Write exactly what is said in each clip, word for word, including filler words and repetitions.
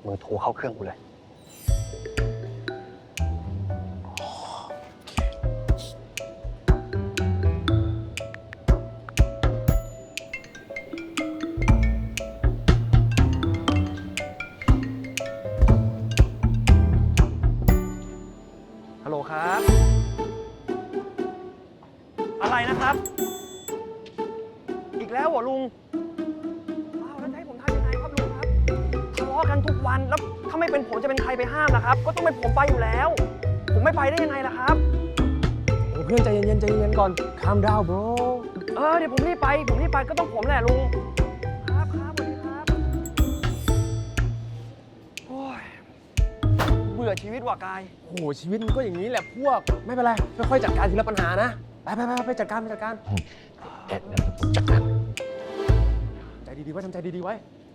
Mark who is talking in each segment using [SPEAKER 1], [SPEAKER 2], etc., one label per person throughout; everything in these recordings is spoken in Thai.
[SPEAKER 1] มือโทรเข้าเครื่องกูเลย ฮัลโหลครับ อะไรนะครับ อีกแล้วเหรอลุง อ้าวแล้วจะให้ผมทำยังไงครับลุงครับทะเลาะกันทุกวันแล้วถ้าไม่เป็นผมจะเป็นใครไปห้ามล่ะครับ ก็ต้องเป็นผมไปอยู่แล้ว ผมไม่ไปได้ยังไงล่ะครับ
[SPEAKER 2] โอ้เพื่อนใจเย็นๆใจเย็นๆก่อน calm down bro
[SPEAKER 1] เออเดี๋ยวผมรีบไป ผมรีบไปก็ต้องผมแหละลุง ครับครับสวัสดีครับโอ้ยเบื่อชีวิตว่ะกาย
[SPEAKER 2] โอ้โหชีวิตมันก็อย่างนี้แหละพวก ไม่เป็นไรค่อยๆจัดการทีละปัญหานะ ไปไปไปไปจัดการไปจัดการ
[SPEAKER 3] เดี๋ยวเดี๋ยวผมจัดการ
[SPEAKER 2] ใจดีๆไว้ทำใจดีๆไว้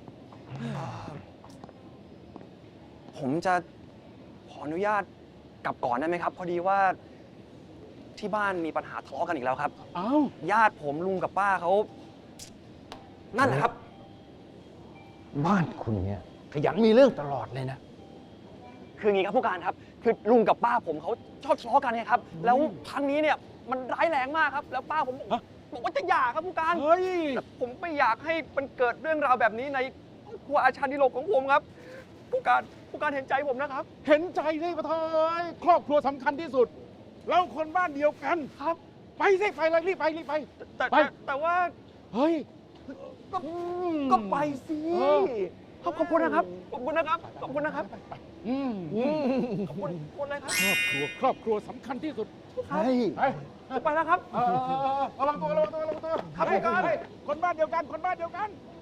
[SPEAKER 1] ผมจะขออนุญาตกลับก่อนได้ไหมครับ พอดีว่าที่บ้านมีปัญหาทะเลาะกันอีกแล้วครับ
[SPEAKER 2] อ้าว
[SPEAKER 1] ญาติผมลุงกับป้าเขานั่นแหละครับ
[SPEAKER 3] บ้านคุณเนี่ยขยันมีเรื่องตลอดเลยนะ
[SPEAKER 1] คืออย่างนี้ครับผู้การครับ คือลุงกับป้าผมเขาชอบทะเลาะกันไงครับ แล้วครั้งนี้เนี่ยมันร้ายแรงมากครับ แล้วป้าผมบอกบอกว่าจะหย่าครับผู้การ
[SPEAKER 2] เฮ้ย
[SPEAKER 1] แต่ผมไม่อยากให้มันเกิดเรื่องราวแบบนี้ในครอบครัวอาชาดิโลกของผมครับ ผู้การผู้การเห็นใจผมนะครับ
[SPEAKER 4] เห็นใจได้ปะเทยครอบครัวสำคัญที่สุด เราคนบ้านเดียวกัน
[SPEAKER 1] ครับ
[SPEAKER 4] ไปสิไปเลยรีบไปรีบไป
[SPEAKER 1] แต่
[SPEAKER 4] ไป
[SPEAKER 1] แต่แต่ว่า
[SPEAKER 4] เฮ้ย
[SPEAKER 1] ก็
[SPEAKER 4] อืม
[SPEAKER 1] ก็ไปสิ
[SPEAKER 4] เออ
[SPEAKER 1] ขอบขอบคุณนะครับ ขอบคุณนะครับ ขอบคุณนะครับ
[SPEAKER 4] อืมอืม
[SPEAKER 1] ขอบคุณขอบคุณเลยครับ
[SPEAKER 4] ครอบครัวครอบครัวสำคัญที่สุด
[SPEAKER 3] เฮ้ย
[SPEAKER 4] ไป
[SPEAKER 1] ผมไปแล้วครับ
[SPEAKER 4] เออเออเออระวังตัวระวังตัวระวังตัว
[SPEAKER 1] ครับ
[SPEAKER 4] เฮ้ย
[SPEAKER 1] ผู้การ
[SPEAKER 4] เฮ้ยคนบ้านเดียวกันคนบ้านเดียวกัน
[SPEAKER 1] ค